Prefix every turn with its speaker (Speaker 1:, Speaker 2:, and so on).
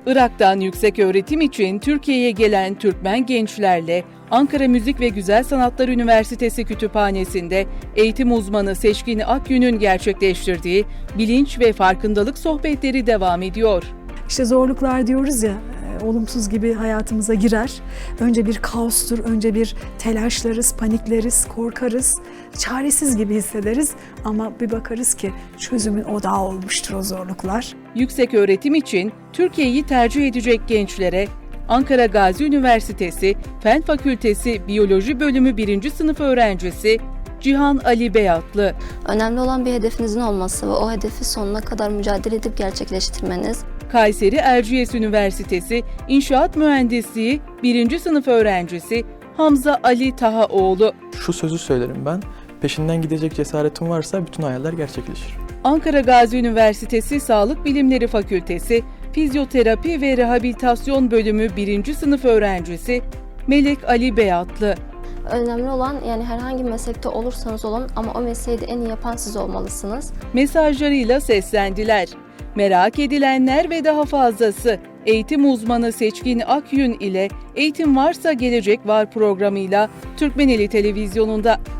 Speaker 1: Irak'tan yükseköğretim için Türkiye'ye gelen Türkmen gençlerle Ankara Müzik ve Güzel Sanatlar Üniversitesi Kütüphanesi'nde eğitim uzmanı Seçkin Akyün'ün gerçekleştirdiği bilinç ve farkındalık sohbetleri devam ediyor.
Speaker 2: İşte zorluklar diyoruz ya, olumsuz gibi hayatımıza girer. Önce bir kaostur, önce bir telaşlarız, panikleriz, korkarız, çaresiz gibi hissederiz. Ama bir bakarız ki çözümün odağı olmuştur o zorluklar.
Speaker 1: Yükseköğretim için Türkiye'yi tercih edecek gençlere Ankara Gazi Üniversitesi Fen Fakültesi Biyoloji Bölümü 1. sınıf öğrencisi Cihan Ali Beyatlı.
Speaker 3: Önemli olan bir hedefinizin olması ve o hedefi sonuna kadar mücadele edip gerçekleştirmeniz.
Speaker 1: Kayseri Erciyes Üniversitesi İnşaat Mühendisliği 1. sınıf öğrencisi Hamza Ali Tahaoğlu.
Speaker 4: Şu sözü söylerim ben, peşinden gidecek cesaretin varsa bütün hayaller gerçekleşir.
Speaker 1: Ankara Gazi Üniversitesi Sağlık Bilimleri Fakültesi Fizyoterapi ve Rehabilitasyon Bölümü 1. sınıf öğrencisi Melek Ali Beyatlı.
Speaker 3: Önemli olan yani herhangi bir meslekte olursanız olun ama o mesleği de en iyi yapan siz olmalısınız.
Speaker 1: Mesajlarıyla seslendiler. Merak edilenler ve daha fazlası eğitim uzmanı Seçkin Akyün ile Eğitim Varsa Gelecek Var programıyla Türkmeneli Televizyonu'nda.